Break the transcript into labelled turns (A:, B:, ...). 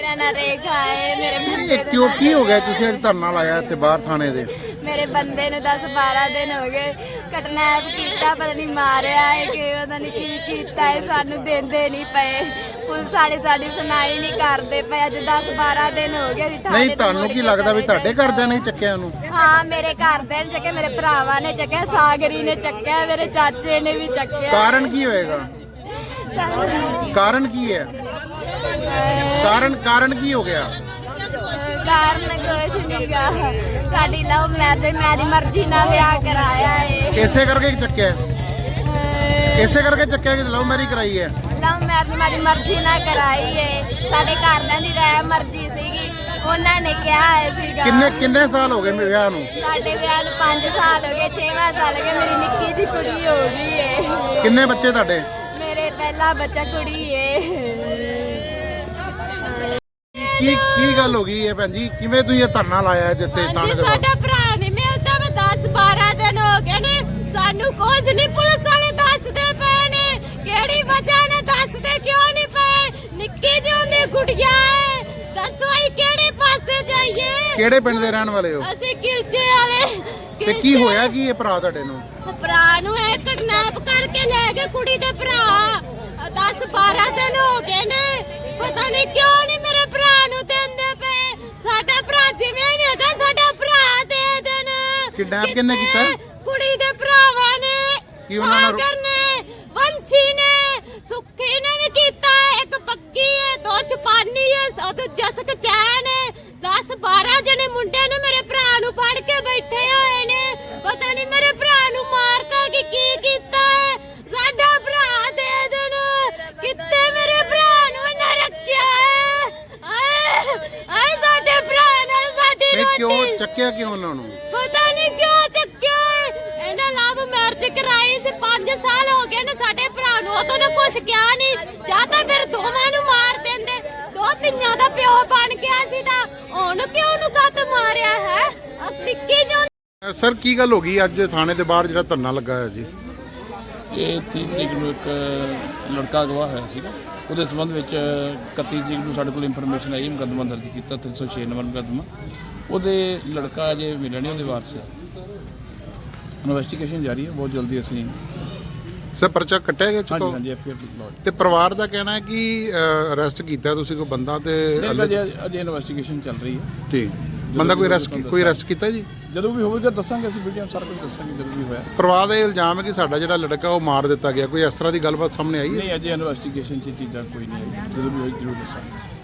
A: मेरा ना रेखा है मेरे बंदे
B: क्यों की हो गया तुसी आज धरना लाया इत्थे बाहर थाने दे?
A: मेरे बंदे ने 10-12 दिन हो गए किडनैप किया, पता नहीं मारिया है कि पता नहीं की कीता है, सानू देंदे नहीं पे, पुलिस वाले साडी सुनाई नहीं करदे पे। अज 10-12 दिन हो गए
B: नहीं ਤੁਹਾਨੂੰ ਕੀ ਲੱਗਦਾ ਵੀ ਤੁਹਾਡੇ ਘਰਦਿਆਂ ਨੇ ਚੱਕਿਆ ਉਹਨੂੰ?
A: हाँ मेरे घरदे ने चक्या, मेरे भरावां ने चक्या, सागरी ने चक्या, मेरे चाचे ने भी चक्या।
B: ਕਾਰਨ ਕੀ ਹੋਏਗਾ? ਕਾਰਨ ਕੀ ਹੈ? ਕਾਰਨ ਕੀ ਹੋ ਗਿਆ?
A: ਕਾਰਨ ਕੁਛ ਨਹੀਂ ਗਾ, ਸਾਡੀ ਲਵ ਮੈਰਿਜ ਮੇਰੀ ਮਰਜ਼ੀ ਨਾਲ ਵਿਆਹ ਕਰਾਇਆ ਏ।
B: ਇਸੇ ਕਰਕੇ ਚੱਕਿਆ? ਇਸੇ ਕਰਕੇ ਚੱਕਿਆ ਕਿ ਲਵ ਮੈਰਿਜ ਕਰਾਈ ਹੈ?
A: ਲਵ ਮੈਰਿਜ ਮੇਰੀ ਮਰਜ਼ੀ ਨਾਲ ਕਰਾਈ ਏ, ਸਾਡੇ ਘਰਦਿਆਂ ਦੀ ਰਾਏ ਮਰਜ਼ੀ ਸੀਗੀ, ਉਹਨਾਂ ਨੇ ਕਿਹਾ ਹੈ ਸੀਗਾ।
B: ਕਿੰਨੇ ਸਾਲ ਹੋ ਗਏ ਮੇਰੇ ਵਿਆਹ ਨੂੰ?
A: ਸਾਡੇ ਵਿਆਹ ਨੂੰ 5 ਸਾਲ ਹੋ ਗਏ, 6ਵਾਂ ਸਾਲ ਹੋ ਗਿਆ, ਮੇਰੀ ਨਿੱਕੀ ਜਿਹੀ ਕੁੜੀ ਹੋ ਗਈ ਏ।
B: ਕਿੰਨੇ ਬੱਚੇ ਤੁਹਾਡੇ?
A: ਮੇਰੇ ਪਹਿਲਾ ਬੱਚਾ ਕੁੜੀ ਏ।
B: ਕੀ ਗੱਲ ਹੋ ਗਈ ਹੈ ਭੈਣ ਜੀ? ਕਿਵੇਂ ਤੁਸੀਂ ਇਹ ਧਰਨਾ ਲਾਇਆ ਜਿੱਥੇ ਥਾਣੇ ਦੇ ਬਾਹਰ?
A: ਸਾਡਾ ਭਰਾ ਨਹੀਂ ਮਿਲਦਾ, ਮੈਂ 10-12 ਦਿਨ ਹੋ ਗਏ ਨੇ, ਸਾਨੂੰ ਕੁਝ ਨਹੀਂ ਪੁਲਿਸ ਵਾਲੇ ਦੱਸਦੇ ਪਏ ਨੇ, ਕਿਹੜੀ ਵਜ੍ਹਾ ਨਾਲ ਦੱਸਦੇ ਕਿਉਂ ਨਹੀਂ ਪਏ? ਨਿੱਕੀ ਜਿਹੀ ਹੁੰਦੀ ਗੁੜੀਆ ਹੈ, ਦੱਸੋ ਅਸੀਂ ਕਿਹੜੇ ਪਾਸੇ ਜਾਈਏ?
B: ਕਿਹੜੇ ਪਿੰਡ ਦੇ ਰਹਿਣ ਵਾਲੇ ਹੋ?
A: ਅਸੀਂ ਕਿਲਚੇ ਵਾਲੇ।
B: ਤੇ ਕੀ ਹੋਇਆ ਕੀ ਇਹ ਭਰਾ ਤੁਹਾਡੇ ਨੂੰ?
A: ਭਰਾ ਨੂੰ ਇਹ ਕਿਡਨੈਪ ਕਰਕੇ ਲੈ ਗਏ ਕੁੜੀ ਦੇ ਭਰਾ, 10-12 ਦਿਨ ਹੋ ਗਏ ਨੇ, ਪਤਾ ਨਹੀਂ ਕਿਉਂ ਨਹੀਂ ਮੇਰੇ ਭਰਾ ਨੂੰ ਦਿੰਦੇ ਪਏ। ਸਾਡਾ ਭਰਾ ਜਿਵੇਂ ਹੀ ਹੈਗਾ, ਸਾਡਾ ਭਰਾ ਦੇ ਦੇਣ।
B: ਕਿਡਨੈਪ ਕਿਹਨੇ ਕੀਤਾ?
A: ਕੁੜੀ ਦੇ ਭਰਾਵਾਂ ਨੇ,
B: ਕੀ ਉਹਨਾਂ ਨਾਲ?
A: ਸਾਗਰ ਨੇ, ਵੰਸ਼ੀ ਨੇ, ਸੁੱਖੀ ਨੇ ਵੀ ਕੀਤਾ, ਇੱਕ ਬੱਗੀ ਹੈ, 2 ਚਪਾਨੀ ਹੈ, ਉਹ ਦੂਜਾ ਸਕਚੈਨ ਹੈ। 10-12 ਜਣੇ ਮੁੰਡੇ ਨੇ ਮੇਰੇ ਭਰਾ ਨੂੰ ਫੜ ਕੇ ਬੈਠੇ ਹੋਏ ਨੇ, ਪਤਾ ਨਹੀਂ ਮੇਰੇ ਭਰਾ ਨੂੰ ਮਾਰਤਾ ਕਿ ਕੀ ਕੀਤਾ ਹੈ। ਸਾਡਾ ਭਰਾ ਦੇ ਦੇਣ, ਕਿੱਥੇ ਮੇਰੇ ਭਰਾ ਨੂੰ ਇਹਨਾਂ ਰੱਖਿਆ ਹੈ? ਆਏ ਸਾਡੇ ਭਰਾ ਨਾਲ ਸਾਡੀ ਰੋਟੀ
B: ਕਿਉਂ ਚੱਕਿਆ ਕਿਉਂ ਉਹਨਾਂ ਨੂੰ?
A: ਪਤਾ ਨਹੀਂ ਕਿਉਂ ਚੱਕਿਆ ਹੈ। ਇਹਨਾਂ ਲਵ ਮੈਰਿਜ ਕਰਾਈ ਸੀ, 5 ਸਾਲ ਹੋ ਗਏ ਨੇ ਸਾਡੇ ਭਰਾ ਨੂੰ, ਉਦੋਂ ਨੇ ਕੁਛ ਕਿਹਾ ਨਹੀਂ, ਜਾਂ ਤਾਂ ਫਿਰ ਦੋਵਾਂ ਨੂੰ ਮਾਰ ਦਿੰਦੇ, 2 ਧੀਆਂ ਦਾ ਪਿਓ ਬਣ ਗਿਆ ਸੀ ਤਾਂ ਉਹਨੂੰ ਕਿਉਂ ਨੂੰ ਕੱਟ ਮਾਰਿਆ ਹੈ? ਨਿੱਕੀ ਜੋ
B: ਸਰ ਕੀ ਗੱਲ ਹੋ ਗਈ ਅੱਜ ਥਾਣੇ ਦੇ ਬਾਹਰ ਜਿਹੜਾ ਧਰਨਾ ਲੱਗਾ ਹੈ ਜੀ?
C: ਇਹ 30 ਤਰੀਕ ਨੂੰ ਇੱਕ ਲੜਕਾ ਅਗਵਾ ਹੋਇਆ ਸੀਗਾ, ਉਹਦੇ ਸੰਬੰਧ ਵਿੱਚ 31 ਤਰੀਕ ਨੂੰ ਸਾਡੇ ਕੋਲ ਇਨਫੋਰਮੇਸ਼ਨ ਆਈ, ਮੁਕੱਦਮਾ ਦਰਜ ਕੀਤਾ 306 ਨੰਬਰ ਮੁਕੱਦਮਾ। ਉਹਦੇ ਲੜਕਾ ਅਜੇ ਮਿਲਿਆ ਨਹੀਂ, ਉਹਦੇ ਵਾਰਸ ਇਨਵੈਸਟੀਗੇਸ਼ਨ ਜਾਰੀ ਹੈ, ਬਹੁਤ ਜਲਦੀ ਅਸੀਂ
B: ਸਰ ਪਰਚਾ ਕੱਟਿਆ ਗਿਆ ਚੁੱਕਾ?
C: ਹਾਂਜੀ ਐਫਆਈਆਰ ਲੌਜ।
B: ਤੇ ਪਰਿਵਾਰ ਦਾ ਕਹਿਣਾ ਹੈ ਕਿ ਅਰੈਸਟ ਕੀਤਾ ਤੁਸੀਂ ਕੋਈ ਬੰਦਾ ਤੇ
C: ਅਜੇ ਇਨਵੈਸਟੀਗੇਸ਼ਨ ਚੱਲ ਰਹੀ ਹੈ।
B: ਠੀਕ ਬੰਦਾ ਕੋਈ ਅਰੈਸਟ ਕੀਤਾ ਜੀ?
C: ਜਦੋਂ ਵੀ ਹੋਵੇਗਾ ਦੱਸਾਂਗੇ, ਅਸੀਂ ਵੀਡੀਓ ਸਾਰਾ ਕੁਝ ਦੱਸਾਂਗੇ ਜਦੋਂ ਵੀ ਹੋਇਆ।
B: ਪਰਿਵਾਰ ਦਾ ਇਹ ਇਲਜ਼ਾਮ ਹੈ ਕਿ ਸਾਡਾ ਜਿਹੜਾ ਲੜਕਾ ਉਹ ਮਾਰ ਦਿੱਤਾ ਗਿਆ, ਕੋਈ ਇਸ ਤਰ੍ਹਾਂ ਦੀ ਗੱਲਬਾਤ ਸਾਹਮਣੇ ਆਈ ਹੈ?
C: ਨਹੀਂ, ਅਜੇ ਇਨਵੈਸਟੀਗੇਸ਼ਨ 'ਚ ਚੀਜ਼ਾਂ ਕੋਈ ਨਹੀਂ ਆਈ, ਜਦੋਂ ਵੀ ਹੋਈ ਜ਼ਰੂਰ ਦੱਸਾਂਗੇ।